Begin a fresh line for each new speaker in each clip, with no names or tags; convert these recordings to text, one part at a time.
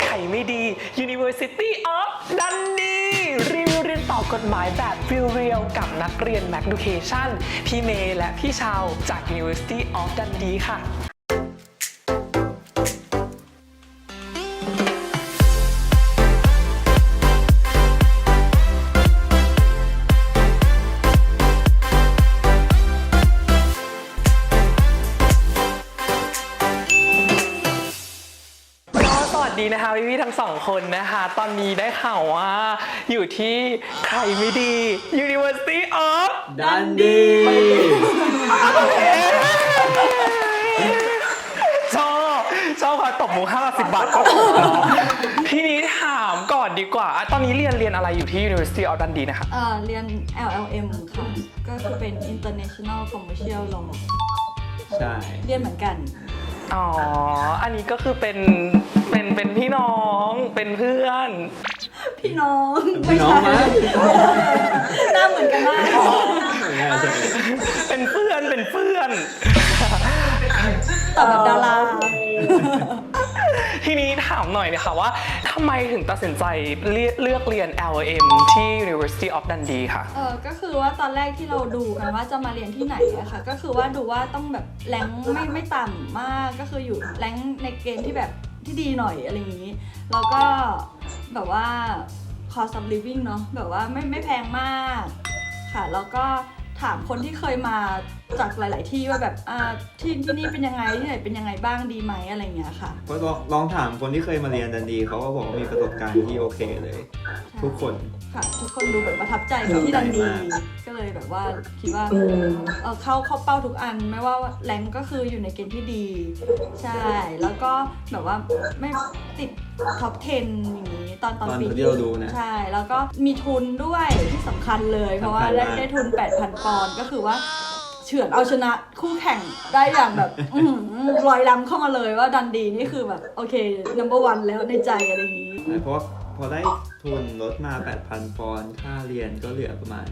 ไข่ไม่ดี University of Dundee รีวิวเรียนต่อกฎหมายแบบเรียวๆกับนักเรียน Education พี่เมย์และพี่ชาวจาก University of Dundee ค่ะดีนะคะพี่ๆทั้งสองคนนะคะตอนนี้ได้ข่าวว่าอยู่ที่ใครไม่ดี University of
Dundee
ชอบค่ะตบหมู50 บาทก็ถูกเนาะทีนี้ถามก่อนดีกว่าตอนนี้เรียนอะไรอยู่ที่ University of Dundee นะคะ
เรียน LLM ค่ะก็คือเป็น International Commercial Law
ใช่
เรียนเหมือนกัน
อ๋ออันนี้ก็คือเป็นพี่น้องเป็นเพื่อน
พี่น้อง
พี่น้องมั้ย
หน้าเหมือนกันมาก
เป็นเพื่อน
ตอบแบบดารา
ทีนี้ถามหน่อยนะคะว่าทำไมถึงตัดสินใจเลือกเรียน LLM ที่ University of Dundee ค่ะ
ก็คือว่าตอนแรกที่เราดูกันว่าจะมาเรียนที่ไหนอะค่ะก็คือว่าดูว่าต้องแบบแรงไม่ต่ำมากก็คืออยู่แรงในเกณฑ์ที่แบบที่ดีหน่อยอะไรอย่างนี้แล้วก็แบบว่า cost of living เนาะแบบว่าไม่แพงมากค่ะแล้วก็ถามคนที่เคยมาจากหลาย ๆ ที่ว่าแบบที่นี่เป็นยังไงที่ไหนเป็นยังไงบ้างดีไหมอะไรเงี้ยค่ะ
ก็ลองถามคนที่เคยมาเรียนดันดีเขาก็บอกว่ามีประสบการณ์ที่โอเคเลยทุกคน
ค่ะทุกคนดูแบบประทับใจกับที่ดันดีก็เลยแบบว่าคิดว่าเข้าเป้าทุกอันไม่ว่าแรงก็คืออยู่ในเกณฑ์ที่ดีใช่แล้วก็แบบว่าไม่ติดท็อป 10 อย่างนี้ตอนปี
ที่เราดูนะ
ใช่แล้วก็มีทุนด้วยที่สำคัญเลยเพราะว่าได้ทุน 8,000 ปอนด์ก็คือว่าเฉือนเอาชนะคู่แข่งได้อย่างแบบลอยลำเข้ามาเลยว่าดันดีนี่คือแบบโอเค number 1 แล้วในใจอะไรอย่างนี้
เพราะพอได้ทุนลดมา 8,000 ปอนด์ค่าเรียนก็เหลือประมาณ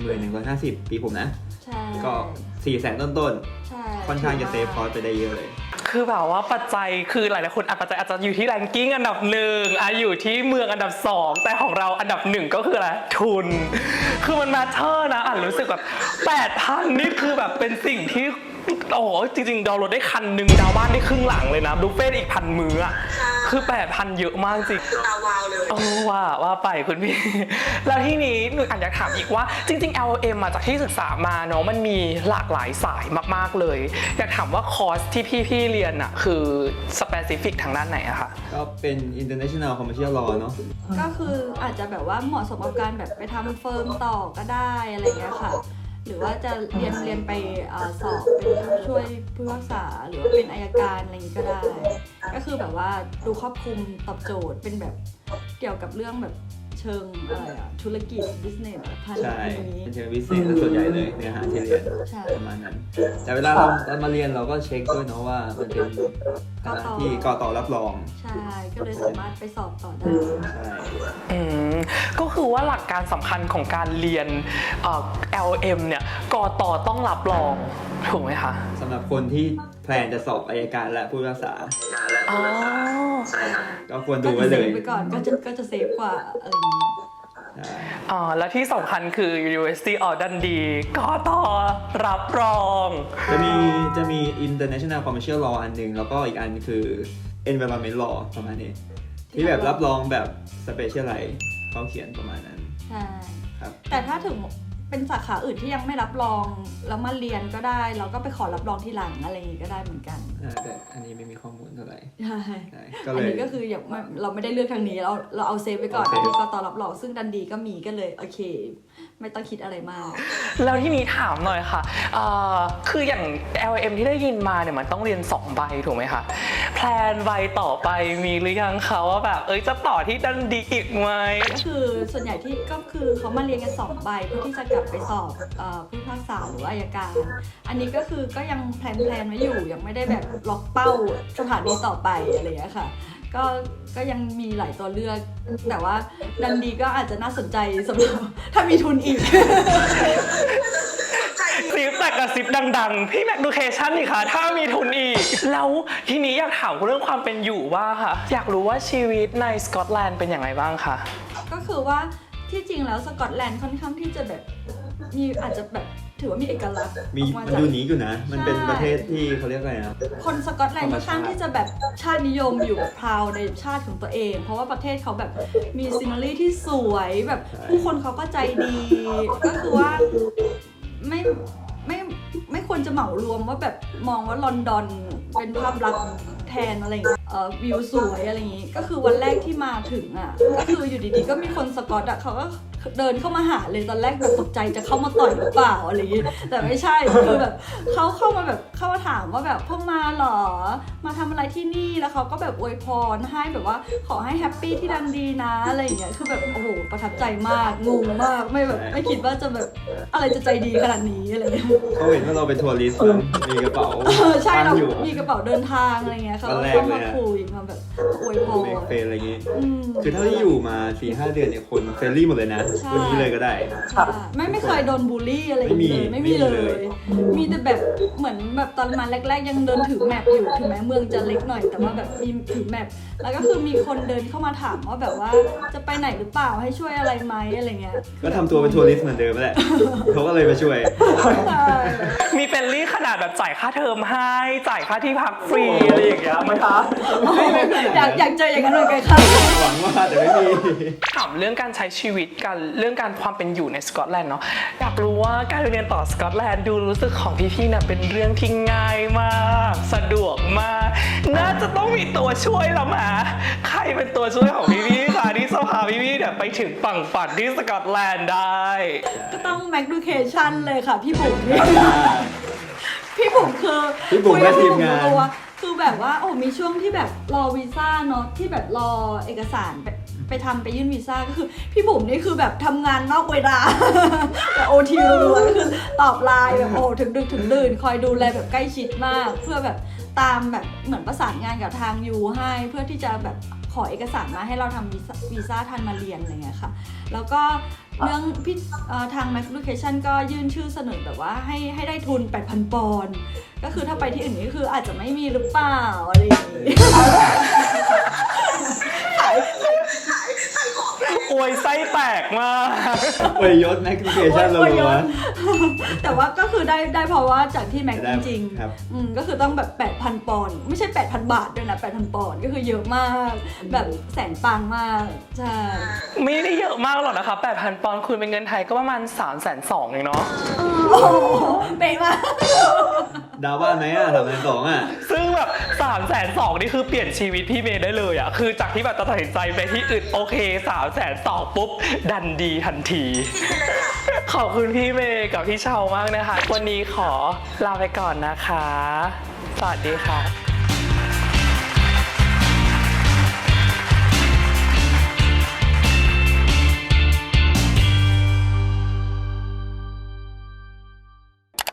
1150 ปีผมนะ
ใช่
ก็ 400,000 ต้นๆค่อนข้างจะเซฟคอร์สไปได้เยอะเลย
คือแบบว่าปัจจัยคือหลายๆคนปัจจัยอาจจะอยู่ที่แรงกิ้งอันดับ1อยู่ที่เมืองอันดับ2แต่ของเราอันดับ1ก็คืออะไรทุนคือมันมาเทอร์นะรู้สึกแบบ 8,000 นี่คือแบบเป็นสิ่งที่โอ้โหจริงๆดาวน์โหลดได้คันหนึ่งดาวบ้านได้ครึ่งหลังเลยนะบุฟเฟ่ต์อีก1,000 มื้อคือ 8,000 เยอะมากจริง
ตาวาวเลย
ว่าไปคุณพี่แล้วที่นี้หนูอยากถามอีกว่าจริงๆ LLM มาจากที่ศึกษามาเนาะมันมีหลากหลายสายมากๆเลยอยากถามว่าคอร์สที่พี่เรียนอะคือ specific ทางด้านไหนอะคะ
ก็เป็น International Commercial Law เนาะ
ก็คืออาจจะแบบว่าเหมาะสมกับการแบบไปทำเฟิร์มต่อก็ได้อะไรอย่างเงี้ยค่ะหรือว่าจะเรียนไปสอบเป็นผู้ช่วยผู้พิพากษาหรือว่าเป็นอัยการอะไรอย่างนี้ก็ได้ก็คือแบบว่าดูครอบคลุมตอบโจทย์เป็นแบบเกี่ยวกับเรื่องแบบเชิงธุรกิจ business พันธุ์
นี้เป็นเชิง business ส่วนใหญ่เลยเนื้อหาที่เรียนประมาณนั้นแต่เวลาเรามาเรียนเราก็เช็คด้วยเนาะว่ามันเป็นคณะที่กต.รับรอง
ใช่ก็เลยสามารถไปสอบต่อได้
ใช่
ก็คือว่าหลักการสำคัญของการเรียนLLM เนี่ยกต.ต้องรับรองถูกไหมคะ
สำหรับคนที่แพลนจะสอบอัยการและผู้พิพากษา
ใช่ครับ
ก็ควรดูไว้เลย
ไปก่อนก็จะเซฟกว่าอะไรอย่างนี้
และที่สำคัญคือ University of Dundee กต.รับรอง
จะมี International Commercial Law อันหนึ่งแล้วก็อีกอันคือ Environment Law ประมาณนี้ที่แบบรับรองแบบ Specialize เขาเขียนประมาณนั้น
ใช่
ครับ
แต่ถ้าถึงเป็นสาขาอื่นที่ยังไม่รับรองแล้วมาเรียนก็ได้เราก็ไปขอรับรองทีหลังอะไรอย่างนี้ก็ได้เหมือนกัน
แต่อันนี้ไม่มีข้อมูลเท่าไหร่
ใช่อันนี้ก็คืออย่างเราไม่ได้เลือกทางนี้เราเอาเซฟไว้ก่อนที่กต.รับรองซึ่งดันดีก็มีก็เลยโอเคไม่ต้องคิดอะไรมาก
แล้วที่นี้ถามหน่อยค่ะคืออย่าง LLM ที่ได้ยินมาเนี่ยมันต้องเรียน2 ใบถูกไหมคะแพลนใบต่อไปมีหรือยังคะว่าแบบจะต่อที่ดันดีอีกไหม
ก็คือส่วนใหญ่ที่ก็คือเขามาเรียนกัน2 ใบเพื่อที่จะกลับไปสอบผู้พิพากษาหรืออัยการอันนี้ก็คือก็ยังแพลนไว้อยู่ยังไม่ได้แบบล็อกเป้าสถานีต่อไปอะไรอย่างเงี้ยค่ะก็ยังมีหลายตัวเลือก แต่ว่าดันดีก็อาจจะน่าสนใจสำหรับถ้ามีทุนอีก
ซิปแต่กับซิปดังๆ พี่แมคดูเคชั่นนี่ค่ะ ถ้ามีทุนอีก แล้วทีนี้อยากถามเรื่องความเป็นอยู่ว่าค่ะ อยากรู้ว่าชีวิตในสกอตแลนด์เป็นยังไงบ้างคะ
ก็คือว่าที่จริงแล้วสกอตแลนด์ค่อนข้างที่จะแบบมีอาจจะแบบถือว่ามีเอกลักษณ์
มี
ออก
มัน
จาก
ดูหนีอยู่นะ มันเป็น
ใช่
ประเทศที่เขาเรียกอะไรนะ
คนสกอตแลนด์
ธรรม
ค่อนข้าง
ชาติ
ที่จะแบบชาตินิยมอยู่พราวในชาติของตัวเอง เพราะว่าประเทศเขาแบบมีซีนารีที่สวยแบบผู้คนเขาก็ใจดี ก็คือว่าไม่ไม่ไม่ควรจะเหมารวมว่าแบบมองว่าลอนดอนเป็นภาพลักษณ์แทนอะไรอย่างเงี้ยวิวสวยอะไรอย่างงี้ ก็คือวันแรกที่มาถึงอ่ะก็คืออยู่ดีๆก็มีคนสกอตอ่ะเขาก็เดินเข้ามาหาเลยตอนแรกแบบตกใจจะเข้ามาต่อยหรือเปล่าอะไรอย่างงี้แต่ไม่ใช่คือแบบเขาเข้ามาแบบเข้ามาถามว่าแบบเพิ่งมาเหรอมาทำอะไรที่นี่แล้วเขาก็แบบอวยพรให้แบบว่าขอให้แฮปปี้ที่ดันดีนะอะไรอย่างเงี้ยคือแบบโอ้โหประทับใจมากงงมากไม่แบบไม่คิดว่าจะแบบอะไรจะใจดีขนาดนี้อะไรอย่างเงี้ย
เขาเห็นว่าเราเป็นทัวริสต์มีกระเป๋า
ใช่
ตั้
เรา
งอยู่
มีกระเป๋าเดินทางอะไรเงี้ยเขา
วันแรก
เข้า
เลย
มา
อะ
คุยมาแบบอวยพร
เมกเฟนอะไรอย่างงี้
อืม
คือเท่าที่อยู่มา 4-5 เดือนเนี่ยคนเฟรนลี่หมดเลยนะ
ใช่
วันนี้เลยก็ได้
ใช่ไม่เคยโดนบูลลี่อะไรอย่างเงี้ย
ไม่
ไม่
มี
มีเล
เลย ย
มีแต่แบบเหมือนแบบตอนมาแรกๆยังเดินถือแมปอยู่ถึงแม้เมืองจะเล็กหน่อยแต่ว่าแบบมีถือแมปแล้วก็คือมีคนเดินเข้ามาถามว่าแบบว่าจะไปไหนหรือเปล่าให้ช่วยอะไรไหมอะไรเงี้ย
ก็ทำตัวเป็นทัวริสต์เหมือนเดิมแหละ เขาก็เลยมาช่วย
ใช่
มีเฟรนลี่ขนาดแบบจ่ายค่าเทอมให้จ่ายค่าที่พักฟรีอะไรอย่างเงี้ยไหมคะ
อยากเจออย่างนั้นเหมือนกันค่ะ
หวังว่าแต่ไม่มี
ถามเรื่องการใช้ชีวิตกันเรื่องการความเป็นอยู่ในสกอตแลนด์เนาะอยากรู้ว่าการเรียนต่อสกอตแลนด์ดูรู้สึกของพี่ๆเนี่ยเป็นเรื่องที่ง่ายมากสะดวกมากน่าจะต้องมีตัวช่วยละมาใครเป็นตัวช่วยของพี่ๆคะที่จะพาพี่ๆเนี่ยไปถึงฝั่งฝันที่สกอตแลนด์ได้
ก็ต้องแมคดูเคชั่นเลยค่ะพี่บุ๋มนี่ พี่บุ๋มคือ
พี่บุ๋มและทีมงาน
คุยกับบุ๋ตัวคือแบบว่าโอ้มีช่วงที่แบบรอวีซ่าเนาะที่แบบรอเอกสารไปยื่นวีซ่าก็คือพี่บุ๋มนี่คือแบบทำงานนอกเวลา แบบโอทีรัวๆก็คือตอบไลน์แบบโอ้ถึงดึกถึงดื่นคอยดูแลแบบใกล้ชิดมาก เพื่อแบบตามแบบเหมือนประสานงานกับทางยูให้เพื่อที่จะแบบขอเอกสารมาให้เราทำวีซ่าทันมาเรียนอะไรเงี้ยค่ะแล้วก็เรื่องพี่ทาง Mac Education ก็ยื่นชื่อเสนอแบบว่าให้ได้ทุน 8,000 ปอนด์ก็คือถ้าไปที่อื่นนี่คืออาจจะไม่มีหรือเปล่าอะไรอย่างงี้
อวยไส้แตกมาก
อวยยศแมคคิเคชั่นเรา
โอ้ย
ล้วน
แต่ว่าก็คือได้เพราะว่าจากที่แม็ก
ได้
จริง
ครับ
ก็คือต้องแบบ 8,000 ปอนด์ไม่ใช่ 8,000 บาทด้วยนะ 8,000 ปอนด์ก็คือเยอะมากแบบแสนปังมากใช่
ไม่ได้เยอะมากหรอกนะคะ 8,000 ปอนด์คูณเป็นเงินไทยก็ประมาณ 320,000เองเนาะ
โอ้โหเป๊ะมาก
ดาวบ้านไหมอ่ะ3,200อ่ะ
ซึ่งแบบ320,000นี่คือเปลี่ยนชีวิตพี่เมย์ได้เลยอะคือจากที่แบบตัดสินใจไปที่อื่นโอเค320,000ปุ๊บดันดีทันที ขอบคุณพี่เมย์กับพี่เชามากนะคะ วันนี้ขอลาไปก่อนนะคะ สวัสดีค่ะ